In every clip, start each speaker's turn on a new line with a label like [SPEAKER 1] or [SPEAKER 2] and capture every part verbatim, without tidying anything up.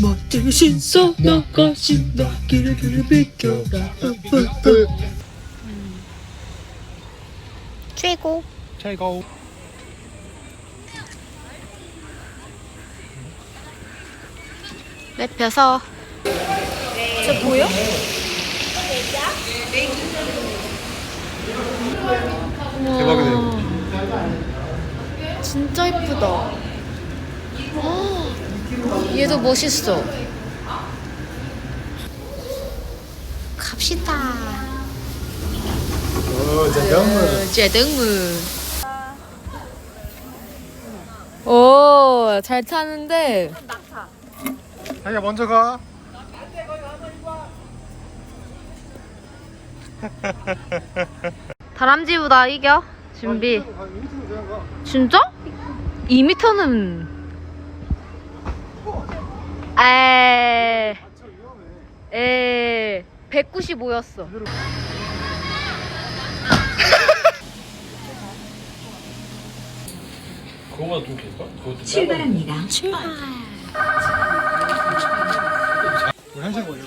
[SPEAKER 1] 멋진 신서 나가신다 길을 길을 비켜라.
[SPEAKER 2] 최고.
[SPEAKER 3] 최고.
[SPEAKER 2] 랩혀서. 저 보여?
[SPEAKER 3] 대박이네.
[SPEAKER 2] 진짜 이쁘다. 얘도 멋있어. 갑시다.
[SPEAKER 3] 오, 잠깐만.
[SPEAKER 2] 제등문. 오, 잘 타는데.
[SPEAKER 3] 자기야 먼저 가.
[SPEAKER 2] 다람쥐보다 이겨. 준비. 진짜? 이 미터는 에. 에. 백구십오였어.
[SPEAKER 3] 그거보다 좀 길까? 그것도
[SPEAKER 4] 출발합니다.
[SPEAKER 2] 출발.
[SPEAKER 3] 한시간 걸려.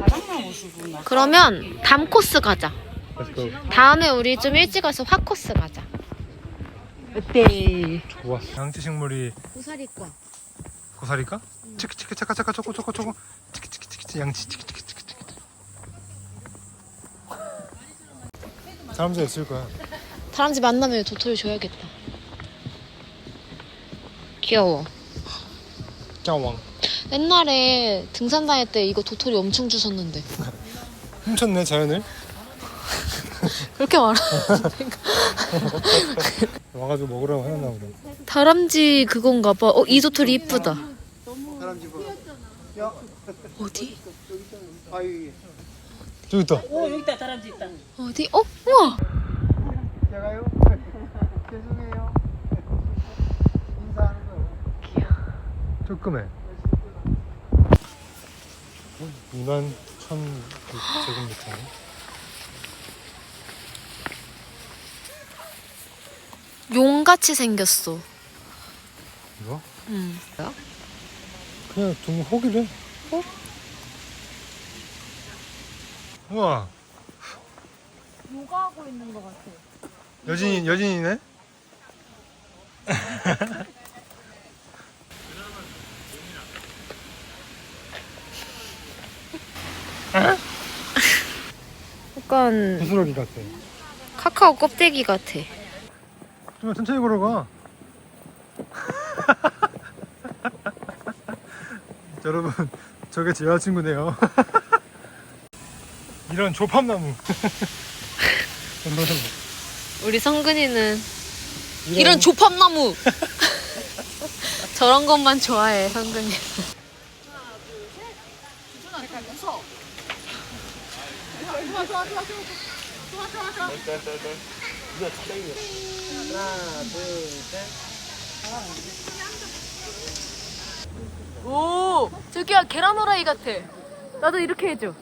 [SPEAKER 2] 그러면 담 코스 가자.
[SPEAKER 3] Let's go.
[SPEAKER 2] 다음에 우리 좀 일찍 와서 화 코스 가자. 어때?
[SPEAKER 3] 좋았어. 양치식물이
[SPEAKER 2] 고사리과.
[SPEAKER 3] 고사리까? 치키 치키 차카 차카 초코 초코 초코 치키 치키 치키 치 양치 치키 치키 치키 치키. 사람들 있을 거야.
[SPEAKER 2] 다람쥐 만나면 도토리 줘야겠다. 귀여워.
[SPEAKER 3] 짱왕.
[SPEAKER 2] 옛날에 등산 다닐 때 이거 도토리 엄청 주셨는데.
[SPEAKER 3] 훔쳤네 자연을.
[SPEAKER 2] 그렇게 말하.
[SPEAKER 3] 와가지고 먹으라고 해놨나 보다.
[SPEAKER 2] 다람쥐 그건가 봐. 어, 이 도토리 이쁘다.
[SPEAKER 1] 다람쥐 봐. 야,
[SPEAKER 2] 어디?
[SPEAKER 1] 아이.
[SPEAKER 3] 저기 있다.
[SPEAKER 1] 오 여기 있다 다람쥐 있다.
[SPEAKER 2] 어디? 어? 우와.
[SPEAKER 1] 제가요? 죄송해요. 인사하는 거요.
[SPEAKER 3] 조금해. 이만 천 제곱미터.
[SPEAKER 2] 용같이 생겼어.
[SPEAKER 3] 이거?
[SPEAKER 2] 응.
[SPEAKER 3] 그냥 둥 호기래.
[SPEAKER 2] 어?
[SPEAKER 3] 우와.
[SPEAKER 2] 요가하고 있는 것 같아.
[SPEAKER 3] 여진이 여진이네.
[SPEAKER 2] 약간
[SPEAKER 3] 부스러기 같아.
[SPEAKER 2] 카카오 껍데기 같아.
[SPEAKER 3] 좀 천천히 걸어가. 여러분, 저게 제 여자친구네요. 이런 조팝나무.
[SPEAKER 2] 우리 성근이는 이런, 이런 조팝나무. 저런 것만 좋아해 성근이. 오, 저기야 계란 후라이 같아. 나도 이렇게 해줘.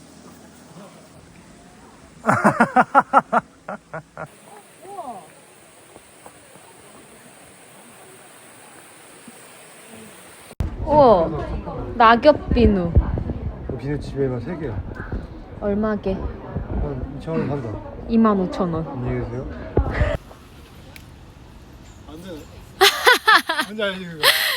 [SPEAKER 2] 우와, 낙엽 비누.
[SPEAKER 3] 비누 집에만 세 개야.
[SPEAKER 2] 얼마게?
[SPEAKER 3] 한 이천 원 한다.
[SPEAKER 2] 이만 오천 원.
[SPEAKER 3] 안녕히 계세요. 안 되네. 뭔지 알지 그거?